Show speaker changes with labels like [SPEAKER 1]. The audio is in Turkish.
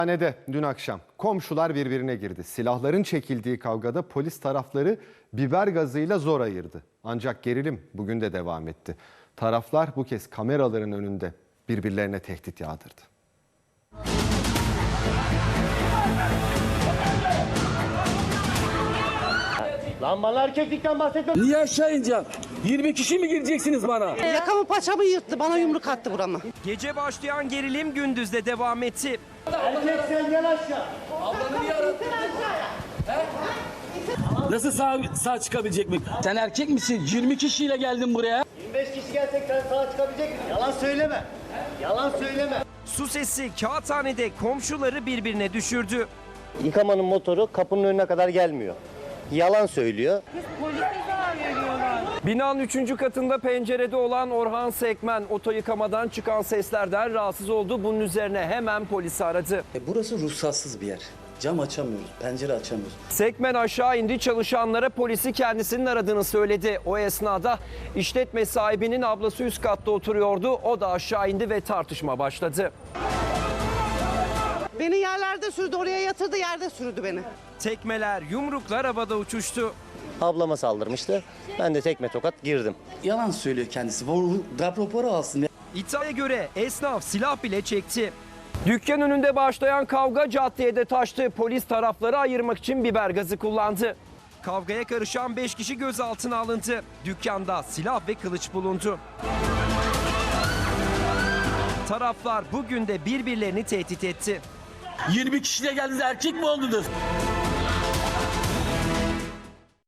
[SPEAKER 1] Hastanede dün akşam komşular birbirine girdi. Silahların çekildiği kavgada polis tarafları biber gazıyla zor ayırdı. Ancak gerilim bugün de devam etti. Taraflar bu kez kameraların önünde birbirlerine tehdit yağdırdı.
[SPEAKER 2] Lan bana erkeklikten bahsetme.
[SPEAKER 3] Niye aşağı ineceğim? 20 kişi mi gireceksiniz bana?
[SPEAKER 4] Yakamı paçamı yırttı, bana yumruk attı burama.
[SPEAKER 5] Gece başlayan gerilim gündüzde devam etti.
[SPEAKER 2] Erkek sen gel aşağı.
[SPEAKER 3] Nasıl sağ çıkabilecek mi? Sen erkek misin? 20 kişiyle geldin buraya.
[SPEAKER 2] 25 kişi gelsek sen sağa çıkabilecek misin? Yalan söyleme. Yalan söyleme.
[SPEAKER 5] Su sesi kağıthanede komşuları birbirine düşürdü.
[SPEAKER 2] Yıkamanın motoru kapının önüne kadar gelmiyor. Yalan söylüyor.
[SPEAKER 5] Binanın 3. katında pencerede olan Orhan Sekmen oto yıkamadan çıkan seslerden rahatsız oldu. Bunun üzerine hemen polisi aradı.
[SPEAKER 6] Burası ruhsatsız bir yer. Cam açamıyoruz, pencere açamıyoruz.
[SPEAKER 5] Sekmen aşağı indi, çalışanlara polisi kendisinin aradığını söyledi. O esnada işletme sahibinin ablası üst katta oturuyordu. O da aşağı indi ve tartışma başladı.
[SPEAKER 4] Beni yerlerde sürdü, oraya yatırdı, yerde sürdü beni.
[SPEAKER 5] Tekmeler, yumruklar havada uçuştu.
[SPEAKER 2] Ablama saldırmıştı. Ben de tekme tokat girdim.
[SPEAKER 6] Yalan söylüyor kendisi. Darp raporu alsın.
[SPEAKER 5] İddiaya göre esnaf silah bile çekti. Dükkan önünde başlayan kavga caddeye de taştı. Polis tarafları ayırmak için biber gazı kullandı. Kavgaya karışan 5 kişi gözaltına alındı. Dükkanda silah ve kılıç bulundu. Taraflar bugün de birbirlerini tehdit etti.
[SPEAKER 3] 20 kişiyle geldiniz, erkek mi oldunuz?